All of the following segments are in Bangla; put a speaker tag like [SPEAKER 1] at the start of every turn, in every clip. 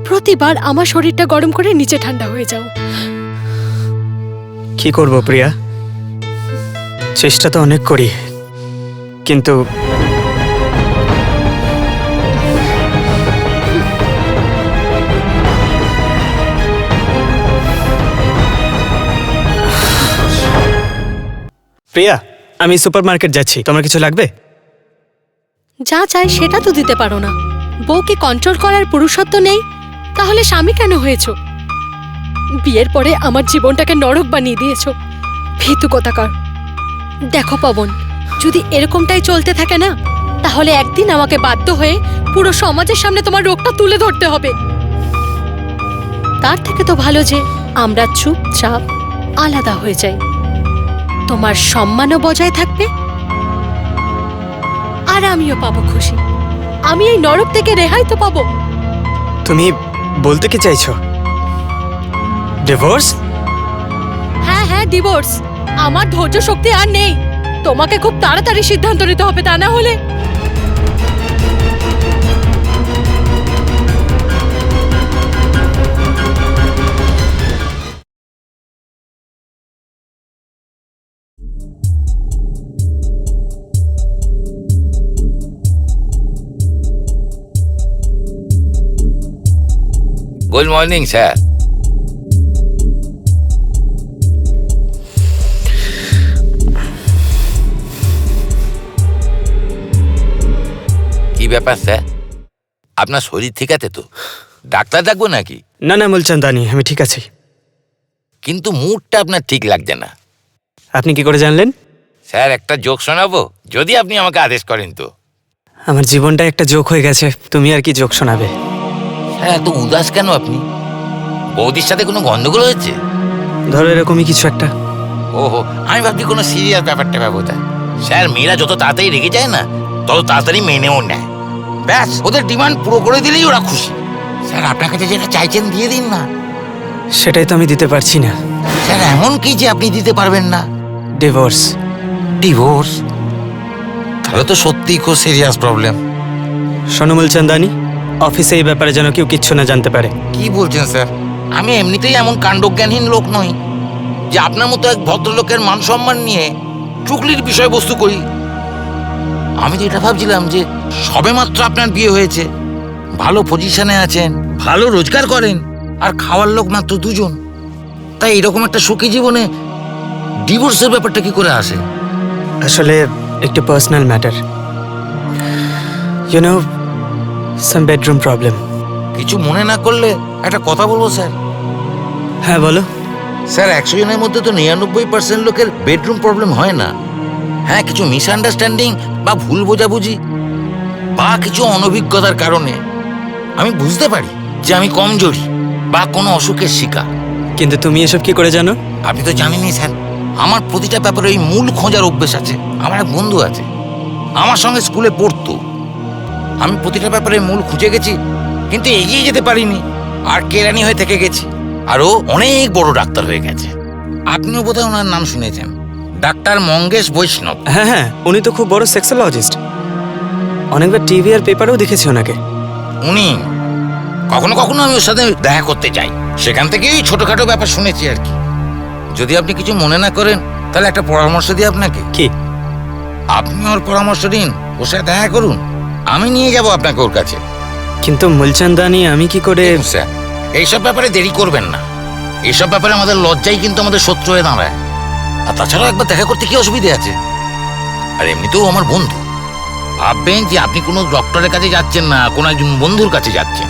[SPEAKER 1] প্রতিবার আমার শরীরটা গরম করে নিচে ঠান্ডা হয়ে যাও।
[SPEAKER 2] কি করব প্রিয়া, চেষ্টা তো অনেক করি, কিন্তু প্রিয়া, আমি সুপারমার্কেট যাচ্ছি, তোমার কিছু লাগবে?
[SPEAKER 1] যা চাই সেটা তো দিতে পারো না। বউকে কন্ট্রোল করার পুরুষত্ব নেই, তাহলে স্বামী কেন হয়েছো? বিয়ের পরে আমার জীবনটাকে নরক বানিয়ে দিয়েছো, ভীতু কোথাকার। দেখো পবন, যদি এরকমটাই চলতে থাকে না, তাহলে একদিন আমাকে বাধ্য হয়ে পুরো সমাজের সামনে তোমার রোগটা তুলে ধরতে হবে। তার থেকে তো ভালো যে আমরা চুপচাপ আলাদা হয়ে যাই। তোমার সম্মানও বজায় থাকবে, আর আমিও পাবো খুশি। আমি এই নরক থেকে রেহাই তো পাবো।
[SPEAKER 2] তুমি বলতে কি চাইছো? ডিভোর্স?
[SPEAKER 1] হ্যাঁ হ্যাঁ, ডিভোর্স। আমার ধৈর্য শক্তি আর নেই। তোমাকে খুব তাড়াতাড়ি সিদ্ধান্ত নিতে হবে, তা না হলে
[SPEAKER 3] গুড মর্নিং স্যার। কি ব্যাপার স্যার, আপনার শরীর ঠিক আছে তো? ডাক্তার ডাকবো নাকি?
[SPEAKER 2] না না মুলচন্দানি, আমি ঠিক আছি।
[SPEAKER 3] কিন্তু মুডটা আপনার ঠিক লাগছে না।
[SPEAKER 2] আপনি কি করে জানলেন?
[SPEAKER 3] স্যার, একটা জোক শোনাবো যদি আপনি আমাকে আদেশ করেন তো?
[SPEAKER 2] আমার জীবনটা একটা জোক হয়ে গেছে, তুমি আর কি জোক শোনাবে?
[SPEAKER 3] স্যার, এত উদাস কেন আপনি? বৌদির সাথে কোনো গন্ডগোল হয়েছে?
[SPEAKER 2] ধরো এরকমই কিছু একটা।
[SPEAKER 3] ওহো, আমি ভাবছি কোনো সিরিয়াস ব্যাপারটা ব্যবতা। স্যার, মেয়েরা যত তাড়াতাড়ি রেগে যায় না, তত তাড়াতাড়ি মেনেও নেয়। ব্যাস, ওদের ডিমান্ড পুরো করে দিলেই ওরা খুশি। স্যার, আপনার কাছে যেটা চাইছেন দিয়ে দিন না।
[SPEAKER 2] সেটাই তো আমি দিতে পারছি না।
[SPEAKER 3] স্যার, এমন কি যে আপনি দিতে পারবেন না?
[SPEAKER 2] ডিভোর্স।
[SPEAKER 3] ডিভোর্স? তাহলে তো সত্যিই খুব সিরিয়াস প্রবলেম।
[SPEAKER 2] শোনো মুলচন্দানি, অফিসে এই ব্যাপারে যেন কেউ কিচ্ছু না জানতে পারে।
[SPEAKER 3] কি বলছেন স্যার? আমি এমনিতেই এমন কাণ্ডজ্ঞানহীন লোক নই যে আপনার মতো এক ভদ্রলোকের মান সম্মান নিয়ে চুগলির বিষয়বস্তু করি। আমি তো এটা ভাবছিলাম যে সবেমাত্র আপনার বিয়ে হয়েছে, ভালো পজিশনে আছেন, ভালো রোজগার করেন, আর খাওয়ার লোক মাত্র দুজন। তাই এরকম একটা সুখী জীবনে ডিভোর্সের ব্যাপারটা কি করে আসে?
[SPEAKER 2] আসলে একটু personal matter, you know, some bedroom problem.
[SPEAKER 3] কিছু মনে না করলে একটা কথা বলবো স্যার?
[SPEAKER 2] হ্যাঁ বলো।
[SPEAKER 3] স্যার, 100 জনের মধ্যে তো 99% লোকের বেডরুম প্রবলেম হয় না। হ্যাঁ, কিছু মিসআন্ডারস্ট্যান্ডিং বা ভুল বোঝাবুঝি বা কিছু অনভিজ্ঞতার কারণে আমি বুঝতে পারি যে আমি কমজোরি বা কোনো অসুখের শিকার।
[SPEAKER 2] কিন্তু তুমি এসব কি করে জানো?
[SPEAKER 3] আপনি তো জানেনই স্যার, আমার প্রতিটা ব্যাপারে ওই মূল খোঁজার অভ্যেস আছে। আমার এক বন্ধু আছে, আমার সঙ্গে স্কুলে পড়তো। আমি প্রতিটা ব্যাপারে মূল খুঁজে গেছি, কিন্তু এগিয়ে যেতে পারিনি, আর কেরানি হয়ে থেকে গেছি। আর ও অনেক বড় ডাক্তার হয়ে গেছে। আপনিও বোধহয় ওনার নাম শুনেছেন, ডাক্তার মঙ্গেশ বৈষ্ণব।
[SPEAKER 2] হ্যাঁ হ্যাঁ, উনি তো খুব বড় সেক্সোলজিস্ট। অনেকবার টিভি আর পেপারেও দেখেছি ওনাকে।
[SPEAKER 3] উনি কখনো কখনো আমি ওর সাথে দেখা করতে যাই, সেখান থেকেই ছোটখাটো ব্যাপার শুনেছি আর কি। যদি আপনি কিছু মনে না করেন, তাহলে একটা পরামর্শ দিই আপনাকে।
[SPEAKER 2] কি?
[SPEAKER 3] আপনি ওর পরামর্শ দিন, ওর সাথে দেখা করুন, আমি নিয়ে যাব আপনাকে ওর কাছে।
[SPEAKER 2] কিন্তু মুলচন্দানি, আমি কি করে?
[SPEAKER 3] স্যার, এইসব ব্যাপারে দেরি করবেন না। এইসব ব্যাপারে আমাদের লজ্জাই কিন্তু আমাদের শত্রু হয়ে দাঁড়ায়। আর তাছাড়াও একবার দেখা করতে কি অসুবিধে আছে? আর এমনিতেও আমার বন্ধু। ভাববেন যে আপনি কোনো ডক্টরের কাছে যাচ্ছেন না, কোনো একজন বন্ধুর কাছে যাচ্ছেন।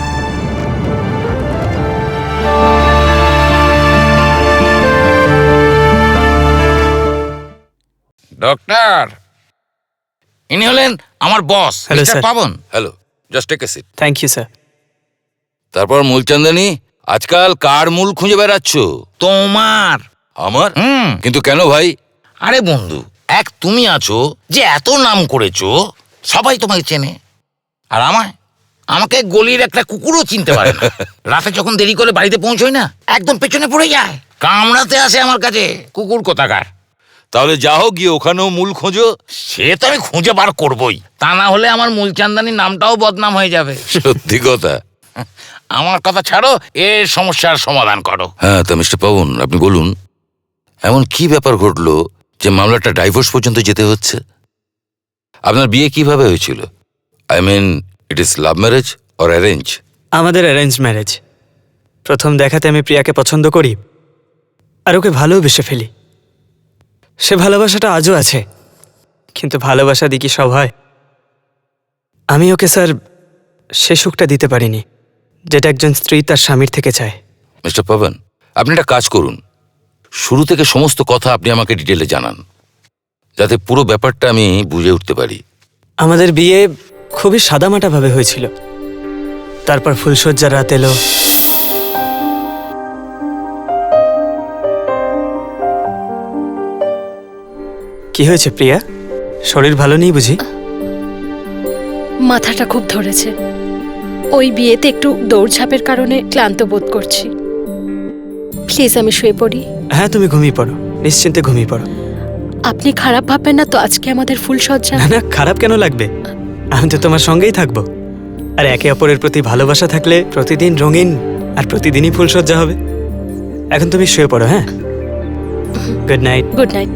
[SPEAKER 3] ডক্টর, ইনি হলেন আমার boss,
[SPEAKER 2] Hello,
[SPEAKER 3] mister
[SPEAKER 2] sir.
[SPEAKER 3] Pavan. Hello, just take a seat.
[SPEAKER 2] Thank you sir.
[SPEAKER 3] তারপর মূলচন্দানি, আজকাল কার মূল খুঁজে বেড়াচ্ছ? তোমার। আমার? কিন্তু কেন ভাই? আরে বন্ধু, এক তুমি আছো যে এত নাম করেছো, সবাই তোমাকে চেনে। আর আমাকে গলির একটা কুকুরও চিনতে পারে না। রাতে যখন দেরি করে বাড়িতে পৌঁছই না, একদম পেছনে পড়ে যায়, কামড়াতে আসে আমার কাছে, কুকুর কোথাকার। তাহলে যাও, গিয়ে ওখানেও মূল খোঁজো। সে তো আমি খুঁজে বার করবই, তা না হলে আমার মূলচান্দানির নামটাও বদনাম হয়ে যাবে। সত্যি কথা।
[SPEAKER 4] আমার কথা ছাড়ো, এর সমস্যার সমাধান করো।
[SPEAKER 3] হ্যাঁ, তা মিস্টার পাবন, আপনি বলুন এমন কি ব্যাপার ঘটলো যে মামলাটা ডাইভোর্স পর্যন্ত যেতে হচ্ছে? আপনার বিয়ে কিভাবে হয়েছিল? I mean, it is love marriage or arrange?
[SPEAKER 2] আমাদের অ্যারেঞ্জ ম্যারেজ। প্রথম দেখাতে আমি প্রিয়াকে পছন্দ করি আর ওকে ভালোবেসে ফেলি। সে ভালোবাসাটা আজও আছে, কিন্তু ভালোবাসা দিয়ে কি সব হয়? আমি ওকে স্যার সে সুখটা দিতে পারিনি যেটা একজন স্ত্রী তার স্বামীর থেকে চায়।
[SPEAKER 3] মিস্টার পাবন, আপনি একটা কাজ করুন, শুরু থেকে সমস্ত কথা আপনি আমাকে ডিটেলে জানান, যাতে পুরো ব্যাপারটা আমি বুঝে উঠতে পারি।
[SPEAKER 2] আমাদের বিয়ে খুবই সাদামাটাভাবে হয়েছিল। তারপর ফুলশয্যার রাত এলো। কি হয়েছে প্রিয়া? শরীর ভালো নেই বুঝি?
[SPEAKER 1] মাথাটা খুব ধরেছে। ওই বিয়েতে একটু দৌড়ঝাঁপের কারণে ক্লান্ত বোধ করছি। প্লিজ আমি শুয়ে পড়ি।
[SPEAKER 2] হ্যাঁ, তুমি ঘুমিয়ে পড়ো, নিশ্চিন্তে ঘুমিয়ে পড়ো।
[SPEAKER 1] আপনি খারাপ ভাববেন না তো আজকে আমাদের ফুলসজ্জা?
[SPEAKER 2] না না, খারাপ কেন লাগবে? আমি তো তোমার সঙ্গেই থাকবো। আর একে অপরের প্রতি ভালোবাসা থাকলে প্রতিদিন রঙিন আর প্রতিদিনই ফুলসজ্জা হবে। এখন তুমি শুয়ে পড়ো। হ্যাঁ, গুড নাইট।
[SPEAKER 1] Good night.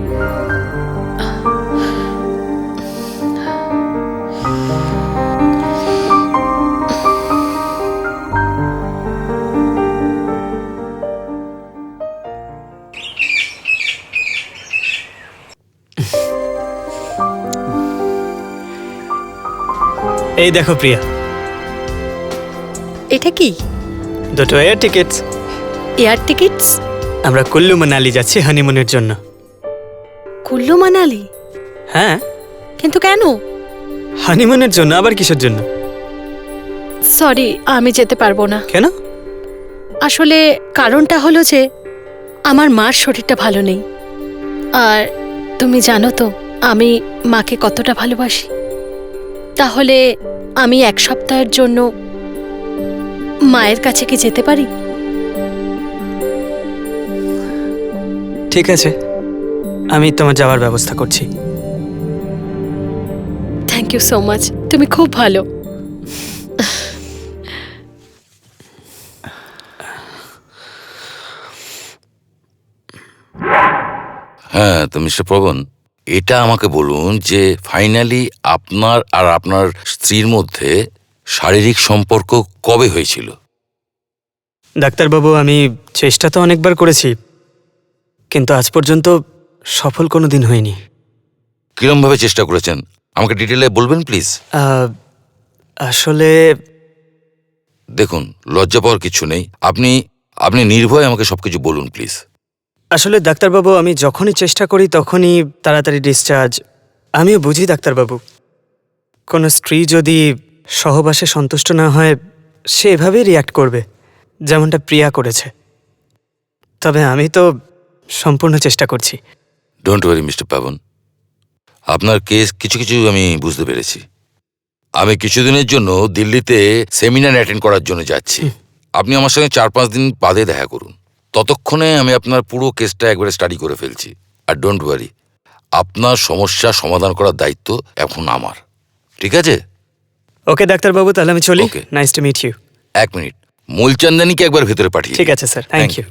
[SPEAKER 2] এই দেখো প্রিয়া,
[SPEAKER 1] এটা কি?
[SPEAKER 2] দুটো এয়ার টিকিটস।
[SPEAKER 1] Air tickets?
[SPEAKER 2] আমরা কুল্লু মানালি যাচ্ছি হানিমুনের জন্য।
[SPEAKER 1] কুল্লু মানালি?
[SPEAKER 2] হ্যাঁ,
[SPEAKER 1] কিন্তু কেন?
[SPEAKER 2] হানিমুনের জন্য। আবার কিসের জন্য?
[SPEAKER 1] সরি, আমি যেতে পারবো না।
[SPEAKER 2] কেন?
[SPEAKER 1] আসলে কারণটা হলো যে আমার মার শরীরটা ভালো নেই। আর তুমি জানো তো আমি মাকে কতটা ভালোবাসি। তাহলে আমি এক সপ্তাহের জন্য মায়ের কাছে কি যেতে পারি?
[SPEAKER 2] ঠিক আছে, আমি তোমার যাওয়ার ব্যবস্থা করছি।
[SPEAKER 1] থ্যাংক ইউ সো মাচ, তুমি খুব ভালো।
[SPEAKER 3] হ্যাঁ, তো মিস্টার পবন, এটা আমাকে বলুন যে ফাইনালি আপনার আর আপনার স্ত্রীর মধ্যে শারীরিক সম্পর্ক কবে হয়েছিল?
[SPEAKER 2] ডাক্তারবাবু, আমি চেষ্টা তো অনেকবার করেছি, কিন্তু আজ পর্যন্ত সফল কোনো দিন হয়নি।
[SPEAKER 3] কিরমভাবে চেষ্টা করেছেন আমাকে ডিটেলে বলবেন প্লিজ?
[SPEAKER 2] আসলে
[SPEAKER 3] দেখুন, লজ্জা পাওয়ার কিছু নেই। আপনি আপনি নির্ভয়ে আমাকে সবকিছু বলুন প্লিজ।
[SPEAKER 2] আসলে ডাক্তারবাবু, আমি যখনই চেষ্টা করি তখনই তাড়াতাড়ি ডিসচার্জ। আমিও বুঝি ডাক্তারবাবু, কোনো স্ত্রী যদি সহবাসে সন্তুষ্ট না হয় সে এভাবেই রিয়্যাক্ট করবে, যেমনটা প্রিয়া করেছে। তবে আমি তো সম্পূর্ণ চেষ্টা করছি।
[SPEAKER 3] ডোন্ট ওয়ারি মিস্টার পাবন, আপনার কেস কিছু কিছু আমি বুঝতে পেরেছি। আমি কিছুদিনের জন্য দিল্লিতে সেমিনার অ্যাটেন্ড করার জন্য যাচ্ছি। আপনি আমার সঙ্গে 4-5 দিন বাদে দেখা করুন। ততক্ষণে আমি আপনার পুরো কেসটা একবারে স্টাডি করে ফেলছি। আর ডোন্ট ওয়ারি, আপনার সমস্যা সমাধান করার দায়িত্ব এখন আমার। ঠিক আছে?
[SPEAKER 2] ওকে ডাক্তারবাবু, তাহলে আমি চলি।
[SPEAKER 3] Okay.
[SPEAKER 2] Nice to meet you.
[SPEAKER 3] 1 minute, মূলচন্দানীকে একবার ভেতরে পাঠিয়ে
[SPEAKER 2] ঠিক আছে স্যার, থ্যাংক ইউ।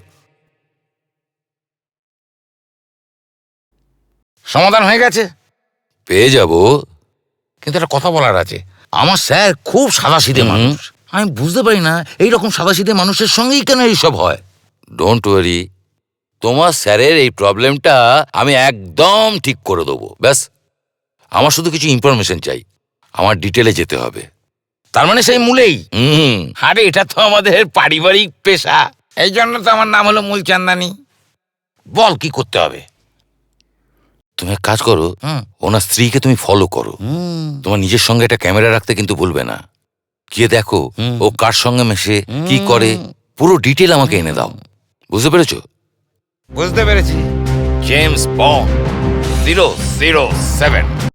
[SPEAKER 4] সমাধান হয়ে গেছে?
[SPEAKER 3] পেয়ে যাব।
[SPEAKER 4] কিন্তু একটা কথা বলার আছে। আমার স্যার খুব সাদাসিধে মানুষ। আমি বুঝতে পারি না এইরকম সাদাসিধে মানুষের সঙ্গেই কেন এইসব হয়।
[SPEAKER 3] ডোন্ট ওয়ারি, তোমার স্যারের এই প্রবলেমটা আমি একদম ঠিক করে দেবো। ব্যাস, আমার শুধু কিছু ইনফরমেশন চাই। আমার ডিটেলে যেতে হবে।
[SPEAKER 4] তার মানে সেই মূলেই? আরে এটা তো আমাদের পারিবারিক পেশা, এই জন্য তো আমার নাম হলো মূলচান্দানী। বল কি করতে হবে?
[SPEAKER 3] তুমি এক কাজ করো, ওনার স্ত্রীকে তুমি ফলো করো। তোমার নিজের সঙ্গে একটা ক্যামেরা রাখতে কিন্তু ভুলবে না। গিয়ে দেখো ও কার সঙ্গে মেশে, কি করে, পুরো ডিটেল আমাকে এনে দাও। বুঝতে পেরেছো?
[SPEAKER 4] বুঝতে পেরেছি। James Bond 007।